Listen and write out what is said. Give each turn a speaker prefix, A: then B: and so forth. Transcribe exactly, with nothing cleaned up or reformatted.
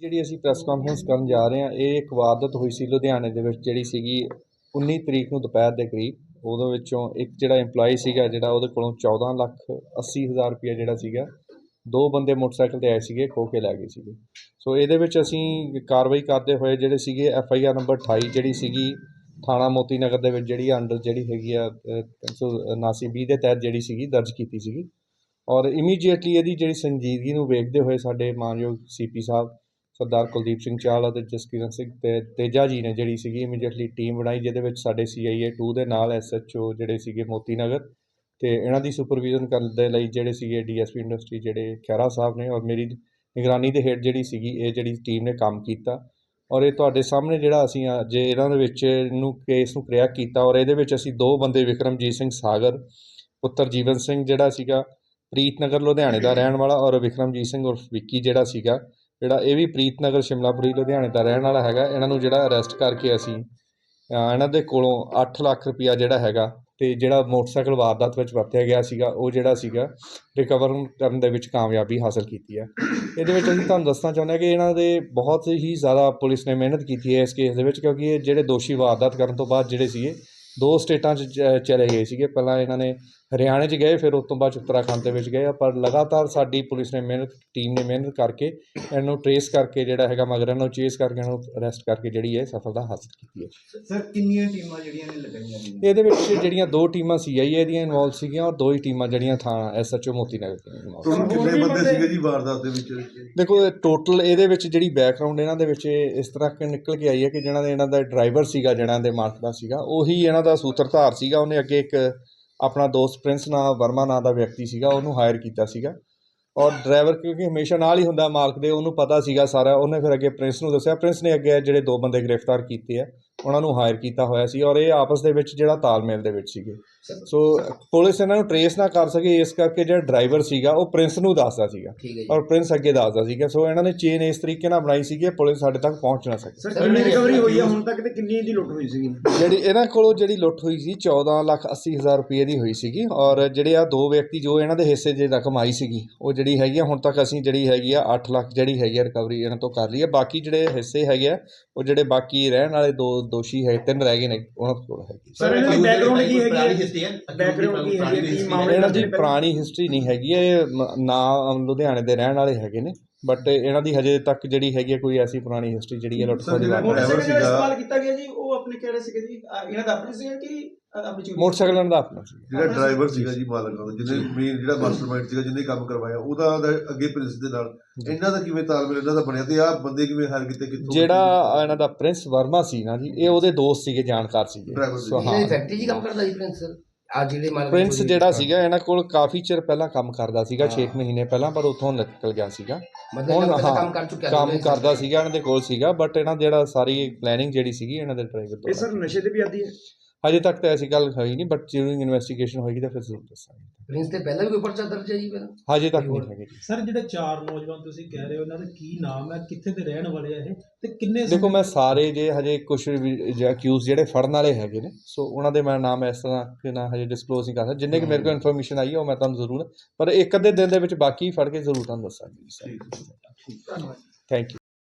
A: ਜਿਹੜੀ ਅਸੀਂ press conference ਕਰਨ ਜਾ ਰਹੇ ਹਾਂ, ਇਹ ਇੱਕ ਵਾਰਦਾਤ ਹੋਈ ਸੀ ਲੁਧਿਆਣੇ ਦੇ ਵਿੱਚ, ਜਿਹੜੀ ਸੀਗੀ ਉੱਨੀ ਤਰੀਕ ਨੂੰ ਦੁਪਹਿਰ ਦੇ ਕਰੀਬ। ਉਹਦੇ ਵਿੱਚੋਂ ਇੱਕ ਜਿਹੜਾ ਇੰਪਲਾਈ ਸੀਗਾ, ਜਿਹੜਾ ਉਹਦੇ ਕੋਲੋਂ ਚੌਦਾਂ ਲੱਖ ਅੱਸੀ ਹਜ਼ਾਰ ਰੁਪਈਆ ਜਿਹੜਾ ਸੀਗਾ, ਦੋ ਬੰਦੇ ਮੋਟਰਸਾਈਕਲ 'ਤੇ ਆਏ ਸੀਗੇ, ਖੋਹ ਕੇ ਲੈ ਗਏ ਸੀਗੇ। ਸੋ ਇਹਦੇ ਵਿੱਚ ਅਸੀਂ ਕਾਰਵਾਈ ਕਰਦੇ ਹੋਏ ਜਿਹੜੇ ਸੀਗੇ ਐਫ ਆਈ ਆਰ ਨੰਬਰ ਅਠਾਈ ਜਿਹੜੀ ਸੀਗੀ ਥਾਣਾ ਮੋਤੀ ਨਗਰ ਦੇ ਵਿੱਚ, ਜਿਹੜੀ ਅੰਡਰ ਜਿਹੜੀ ਹੈਗੀ ਆ ਤਿੰਨ ਸੌ ਉਨਾਸੀ ਵੀਹ ਦੇ ਤਹਿਤ ਜਿਹੜੀ ਸੀਗੀ ਦਰਜ ਕੀਤੀ ਸੀਗੀ। ਔਰ ਇਮੀਡੀਏਟਲੀ ਇਹਦੀ ਜਿਹੜੀ ਸੰਜੀਦਗੀ ਨੂੰ ਵੇਖਦੇ ਹੋਏ ਸਾਡੇ ਮਾਨਯੋਗ ਸੀ ਪੀ ਸਾਹਿਬ ਸਰਦਾਰ ਕੁਲਦੀਪ ਸਿੰਘ ਚਾਹਲ ਅਤੇ ਜਸਕਿਰਨ ਸਿੰਘ ਤੇ ਤੇਜਾ ਜੀ ਨੇ ਜਿਹੜੀ ਸੀਗੀ ਇਮੀਡੀਏਟਲੀ ਟੀਮ ਬਣਾਈ, ਜਿਹਦੇ ਵਿੱਚ ਸਾਡੇ ਸੀ ਆਈ ਏ ਟੂ ਦੇ ਨਾਲ ਐਸ ਐਚ ਓ ਜਿਹੜੇ ਸੀਗੇ ਮੋਤੀ ਨਗਰ ਅਤੇ ਇਹਨਾਂ ਦੀ ਸੁਪਰਵਿਜ਼ਨ ਕਰਨ ਦੇ ਲਈ ਜਿਹੜੇ ਸੀਗੇ ਡੀ ਐਸ ਪੀ ਇੰਡਸਟਰੀ ਜਿਹੜੇ ਖਹਿਰਾ ਸਾਹਿਬ ਨੇ, ਔਰ ਮੇਰੀ ਨਿਗਰਾਨੀ ਦੇ ਹੇਠ ਜਿਹੜੀ ਸੀਗੀ ਇਹ ਜਿਹੜੀ ਟੀਮ ਨੇ ਕੰਮ ਕੀਤਾ। ਔਰ ਇਹ ਤੁਹਾਡੇ ਸਾਹਮਣੇ ਜਿਹੜਾ ਅਸੀਂ ਅੱਜ ਇਹਨਾਂ ਦੇ ਵਿੱਚ ਨੂੰ ਕੇਸ ਨੂੰ ਕ੍ਰੈਕ ਕੀਤਾ, ਔਰ ਇਹਦੇ ਵਿੱਚ ਅਸੀਂ ਦੋ ਬੰਦੇ ਵਿਕਰਮਜੀਤ ਸਿੰਘ ਸਾਗਰ ਪੁੱਤਰ ਜੀਵਨ ਸਿੰਘ ਜਿਹੜਾ ਸੀਗਾ ਪ੍ਰੀਤ ਨਗਰ ਲੁਧਿਆਣੇ ਦਾ ਰਹਿਣ ਵਾਲਾ, ਔਰ ਵਿਕਰਮਜੀਤ ਸਿੰਘ ਉਰਫ ਵਿੱਕੀ ਜਿਹੜਾ ਸੀਗਾ ਜਿਹੜਾ ਇਹ ਵੀ ਪ੍ਰੀਤ ਨਗਰ ਸ਼ਿਮਲਾਪੁਰੀ ਲੁਧਿਆਣੇ ਦਾ ਰਹਿਣ ਵਾਲਾ ਹੈਗਾ। ਇਹਨਾਂ ਨੂੰ ਜਿਹੜਾ ਅਰੈਸਟ ਕਰਕੇ ਅਸੀਂ ਇਹਨਾਂ ਦੇ ਕੋਲੋਂ ਅੱਠ ਲੱਖ ਰੁਪਈਆ ਜਿਹੜਾ ਹੈਗਾ ਅਤੇ ਜਿਹੜਾ ਮੋਟਰਸਾਈਕਲ ਵਾਰਦਾਤ ਵਿੱਚ ਵਰਤਿਆ ਗਿਆ ਸੀਗਾ ਉਹ ਜਿਹੜਾ ਸੀਗਾ ਰਿਕਵਰ ਕਰਨ ਦੇ ਵਿੱਚ ਕਾਮਯਾਬੀ ਹਾਸਲ ਕੀਤੀ ਹੈ। ਇਹਦੇ ਵਿੱਚ ਅਸੀਂ ਤੁਹਾਨੂੰ ਦੱਸਣਾ ਚਾਹੁੰਦੇ ਹਾਂ ਕਿ ਇਹਨਾਂ ਦੇ ਬਹੁਤ ਹੀ ਜ਼ਿਆਦਾ ਪੁਲਿਸ ਨੇ ਮਿਹਨਤ ਕੀਤੀ ਹੈ ਇਸ ਕੇਸ ਦੇ ਵਿੱਚ, ਕਿਉਂਕਿ ਇਹ ਜਿਹੜੇ ਦੋਸ਼ੀ ਵਾਰਦਾਤ ਕਰਨ ਤੋਂ ਬਾਅਦ ਜਿਹੜੇ ਸੀਗੇ ਦੋ ਸਟੇਟਾਂ 'ਚ ਚਲੇ ਗਏ ਸੀਗੇ। ਪਹਿਲਾਂ ਇਹਨਾਂ ਨੇ ਹਰਿਆਣੇ 'ਚ ਗਏ, ਫਿਰ ਉਸ ਤੋਂ ਬਾਅਦ ਉੱਤਰਾਖੰਡ ਦੇ ਵਿੱਚ ਗਏ, ਪਰ ਲਗਾਤਾਰ ਸਾਡੀ ਪੁਲਿਸ ਨੇ ਮਿਹਨਤ ਟੀਮ ਨੇ ਮਿਹਨਤ ਕਰਕੇ ਇਹਨੂੰ ਟਰੇਸ ਕਰਕੇ ਜਿਹੜਾ ਹੈਗਾ ਮਗਰ ਇਹਨਾਂ ਨੂੰ ਚੇਸ ਕਰਕੇ ਇਹਨਾਂ ਨੂੰ ਅਰੈਸਟ ਕਰਕੇ ਜਿਹੜੀ ਹੈ ਸਫਲਤਾ ਹਾਸਲ ਕੀਤੀ ਹੈ।
B: ਸਰ ਕਿੰਨੀਆਂ ਟੀਮਾਂ ਜਿਹੜੀਆਂ ਨੇ ਲਗਾਈਆਂ ਨੇ?
A: ਇਹਦੇ ਵਿੱਚ ਜਿਹੜੀਆਂ ਦੋ ਟੀਮਾਂ ਸੀ ਆਈ ਏ ਦੀਆਂ ਇਨਵੋਲਵ ਸੀਗੀਆਂ, ਔਰ ਦੋ ਹੀ ਟੀਮਾਂ ਜਿਹੜੀਆਂ ਥਾਂ ਐਸ ਐਚ ਓ ਮੋਤੀ ਨਗਰ ਦੀਆਂ।
B: ਕਿੰਨੇ ਬੰਦੇ ਸੀਗੇ ਜੀ ਵਾਰਦਾਤ ਦੇ ਵਿੱਚ?
A: ਦੇਖੋ ਟੋਟਲ ਇਹਦੇ ਵਿੱਚ ਜਿਹੜੀ ਬੈਕਗਰਾਊਂਡ ਇਹਨਾਂ ਦੇ ਵਿੱਚ ਇਸ ਤਰ੍ਹਾਂ ਕਿ ਨਿਕਲ ਕੇ ਆਈ ਹੈ ਕਿ ਜਿਹਨਾਂ ਦੇ ਇਹਨਾਂ ਦਾ ਡਰਾਈਵਰ ਸੀਗਾ, ਜਿਹਨਾਂ ਦੇ ਮਾਲਕ ਦਾ ਸੀਗਾ, ਉਹੀ ਇਹਨਾਂ ਦਾ ਸੂਤਰਧਾਰ ਸੀਗਾ। ਉਹਨੇ ਅੱਗੇ ਇੱਕ ਆਪਣਾ ਦੋਸਤ ਪ੍ਰਿੰਸ ਨਾਂ ਵਰਮਾ ਨਾਂ ਦਾ ਵਿਅਕਤੀ ਸੀਗਾ, ਉਹਨੂੰ ਹਾਇਰ ਕੀਤਾ ਸੀਗਾ। ਔਰ ਡਰਾਈਵਰ ਕਿਉਂਕਿ ਹਮੇਸ਼ਾ ਨਾਲ ਹੀ ਹੁੰਦਾ ਮਾਲਕ ਦੇ, ਉਹਨੂੰ ਪਤਾ ਸੀਗਾ ਸਾਰਾ। ਉਹਨੇ ਫਿਰ ਅੱਗੇ ਪ੍ਰਿੰਸ ਨੂੰ ਦੱਸਿਆ, ਪ੍ਰਿੰਸ ਨੇ ਅੱਗੇ ਜਿਹੜੇ ਦੋ ਬੰਦੇ ਗ੍ਰਿਫਤਾਰ ਕੀਤੇ ਆ ਉਹਨਾਂ ਨੂੰ ਹਾਇਰ ਕੀਤਾ ਹੋਇਆ ਸੀ, ਔਰ ਇਹ ਆਪਸ ਦੇ ਵਿੱਚ ਜਿਹੜਾ ਤਾਲਮੇਲ ਦੇ ਵਿੱਚ ਸੀਗੇ। ਸੋ ਪੁਲਿਸ ਇਹਨਾਂ ਨੂੰ ਟਰੇਸ ਨਾ ਕਰ ਸਕੇ, ਇਸ ਕਰਕੇ ਜਿਹੜਾ ਡਰਾਈਵਰ ਸੀਗਾ ਉਹ ਪ੍ਰਿੰਸ ਨੂੰ ਦੱਸਦਾ ਸੀਗਾ ਔਰ ਪ੍ਰਿੰਸ ਅੱਗੇ ਦੱਸਦਾ ਸੀਗਾ। ਸੋ ਇਹਨਾਂ ਨੇ ਚੇਨ ਇਸ ਤਰੀਕੇ ਨਾਲ ਬਣਾਈ ਸੀਗੀ ਪੁਲਿਸ ਸਾਡੇ ਤੱਕ ਪਹੁੰਚ ਨਾ ਸਕੇ।
B: ਸਰ ਕਿੰਨੀ ਰਿਕਵਰੀ ਹੋਈ ਹੈ ਹੁਣ ਤੱਕ ਤੇ ਕਿੰਨੀ ਦੀ ਲੁੱਟ ਹੋਈ ਸੀਗੀ?
A: ਜਿਹੜੀ ਇਹਨਾਂ ਕੋਲੋਂ ਜਿਹੜੀ ਲੁੱਟ ਹੋਈ ਸੀ ਚੌਦਾਂ ਲੱਖ ਅੱਸੀ ਹਜ਼ਾਰ ਰੁਪਏ ਦੀ ਹੋਈ ਸੀਗੀ, ਔਰ ਜਿਹੜੇ ਆ ਦੋ ਵਿਅਕਤੀ ਜੋ ਇਹਨਾਂ ਦੇ ਹਿੱਸੇ ਜੇ ਰਕਮ ਆਈ ਸੀਗੀ ਉਹ ਜਿਹੜੀ ਹੈਗੀ ਆ ਹੁਣ ਤੱਕ ਅਸੀਂ ਜਿਹੜੀ ਹੈਗੀ ਆ ਅੱਠ ਲੱਖ ਜਿਹੜੀ ਹੈਗੀ ਆ ਰਿਕਵਰੀ ਇਹਨਾਂ ਤੋਂ ਕਰ ਲਈ ਹੈ। ਬਾਕੀ ਜਿਹੜੇ ਹਿੱਸੇ ਹੈਗੇ ਆ ਉਹ ਜਿਹੜੇ ਬਾਕੀ ਰਹਿਣ ਵਾਲੇ ਦੋ ਦੋਸ਼ੀ ਹੈ ਤਿੰਨ ਰਹਿ ਗਏ ਨੇ ਉਹਨਾਂ ਕੋਲ ਹੈਗੀ।
B: ਸਰ ਇਹਨਾਂ ਦੀ ਬੈਕਗ੍ਰਾਉਂਡ ਕੀ ਹੈਗੀ ਹੈ? ਬੈਕਗ੍ਰਾਉਂਡ ਕੀ ਹੈਗੀ ਕੀ ਮਾਮਲੇ?
A: ਇਹਨਾਂ ਦੀ ਪੁਰਾਣੀ ਹਿਸਟਰੀ ਨਹੀਂ ਹੈਗੀ, ਇਹ ਨਾ ਲੁਧਿਆਣੇ ਦੇ ਰਹਿਣ ਵਾਲੇ ਹੈਗੇ ਨੇ, ਬਟ ਇਹਨਾਂ ਦੀ ਹਜੇ ਤੱਕ ਜਿਹੜੀ ਹੈਗੀ ਕੋਈ ਐਸੀ ਪੁਰਾਣੀ ਹਿਸਟਰੀ ਜਿਹੜੀ ਹੈ ਲੁੱਟ ਖੋਹ ਦੀ
B: ਇਸਤੇਮਾਲ ਕੀਤਾ ਗਿਆ ਜੀ ਉਹ ਆਪਣੇ ਕਿਹੜੇ ਸੀਗੇ ਜੀ? ਇਹਨਾਂ ਦਾ ਆਪਣੇ ਸੀਗਾ ਕਿ
A: ਮੋਟਰਸਾਈਕਲ ਇਹਨਾਂ ਦਾ ਆਪਣਾ ਸੀ?
C: ਜਿਹੜਾ ਡਰਾਈਵਰ ਸੀਗਾ ਜੀ ਮਾਲਕ ਦਾ, ਜਿਹਨੇ ਮੇਨ ਜਿਹੜਾ ਮਾਸਟਰਮਾਈਂਡ ਸੀਗਾ ਜਿਹਨੇ ਕੰਮ ਕਰਵਾਇਆ, ਉਹਦਾ ਅੱਗੇ ਪ੍ਰਿੰਸ ਦੇ ਨਾਲ ਇਹਨਾਂ ਦਾ ਕਿਵੇਂ ਤਾਲਮੇਲ ਇਹਨਾਂ ਦਾ ਬਣਿਆ ਤੇ ਆਹ ਬੰਦੇ ਕਿਵੇਂ ਹਾਇਰ ਕੀਤੇ? ਕਿੱਥੋਂ?
A: ਜਿਹੜਾ ਇਹਨਾਂ ਦਾ ਪ੍ਰਿੰਸ ਵਰਮਾ ਸੀ ਨਾ ਜੀ, ਇਹ ਉਹਦੇ ਦੋਸਤ ਸੀਗੇ, ਜਾਣਕਾਰ ਸੀਗੇ।
D: ਫੈਕਟਰੀ 'ਚ ਕੰਮ ਕਰਦਾ ਜੀ ਪ੍ਰਿੰਸ?
A: ਪ੍ਰਿੰਸ ਜਿਹੜਾ ਸੀਗਾ ਇਹਨਾਂ ਕੋਲ ਕਾਫੀ ਚਿਰ ਪਹਿਲਾਂ ਕੰਮ ਕਰਦਾ ਸੀਗਾ, ਛੇ ਮਹੀਨੇ ਪਹਿਲਾਂ, ਪਰ ਉੱਥੋਂ ਨਿਕਲ ਗਿਆ ਸੀਗਾ। ਹੁਣ ਹਾਂ ਕੰਮ ਕਰਦਾ ਸੀਗਾ, ਇਹਨਾਂ ਦੇ ਕੋਲ ਸੀਗਾ, ਬਟ ਇਹਨਾਂ ਜਿਹੜਾ ਸਾਰੀ ਪਲੈਨਿੰਗ ਜਿਹੜੀ ਸੀਗੀ ਇਹਨਾਂ ਦੇ ਡਰਾਈਵਰ ਤੋਂ।
B: ਇਹ ਸਰ ਨਸ਼ੇ ਤੇ ਵੀ ਆਦੀ ਹੈ?
A: ਹਜੇ ਤੱਕ ਤਾਂ ਐਸੀ ਗੱਲ ਹੋਈ ਨਹੀਂ, ਬਟ ਜਿਉਂ ਇਨਵੈਸਟੀਗੇਸ਼ਨ ਹੋਏਗੀ ਤਾਂ ਫਿਰ ਜ਼ਰੂਰ ਦੱਸਾਂਗੇ।
D: ਪ੍ਰਿੰਸ ਤੇ ਪਹਿਲਾਂ ਵੀ ਕੋਈ ਪਰਚਾ ਦਰਜ ਹੈ ਜੀ? ਪਹਿਲਾਂ
A: ਹਜੇ ਤੱਕ ਨਹੀਂ ਹੈਗੇ ਜੀ।
E: ਸਰ ਜਿਹੜੇ ਚਾਰ ਨੌਜਵਾਨ ਤੁਸੀਂ ਕਹਿ ਰਹੇ ਹੋ ਇਹਨਾਂ ਦਾ ਕੀ ਨਾਮ ਹੈ, ਕਿੱਥੇ ਦੇ ਰਹਿਣ ਵਾਲੇ ਆ ਇਹ, ਤੇ ਕਿੰਨੇ?
A: ਦੇਖੋ ਮੈਂ ਸਾਰੇ ਜੇ ਹਜੇ ਕੁਛ ਅਕਿਊਜ਼ ਜਿਹੜੇ ਫੜਨ ਵਾਲੇ ਹੈਗੇ ਨੇ, ਸੋ ਉਹਨਾਂ ਦੇ ਮੈਂ ਨਾਮ ਇਸ ਤਰ੍ਹਾਂ ਕਿ ਨਾ ਹਜੇ ਡਿਸਕਲੋਜ਼ ਨਹੀਂ ਕਰ ਸਕਦਾ। ਜਿੰਨੇ ਕਿ ਮੇਰੇ ਕੋਲ ਇਨਫੋਰਮੇਸ਼ਨ ਆਈ ਹੈ ਉਹ ਮੈਂ ਤੁਹਾਨੂੰ ਜ਼ਰੂਰ, ਪਰ ਇੱਕ ਅੱਧੇ ਦਿਨ ਦੇ ਵਿੱਚ ਬਾਕੀ ਫੜ ਕੇ ਜ਼ਰੂਰ ਤੁਹਾਨੂੰ ਦੱਸਾਂਗੇ। Thank you.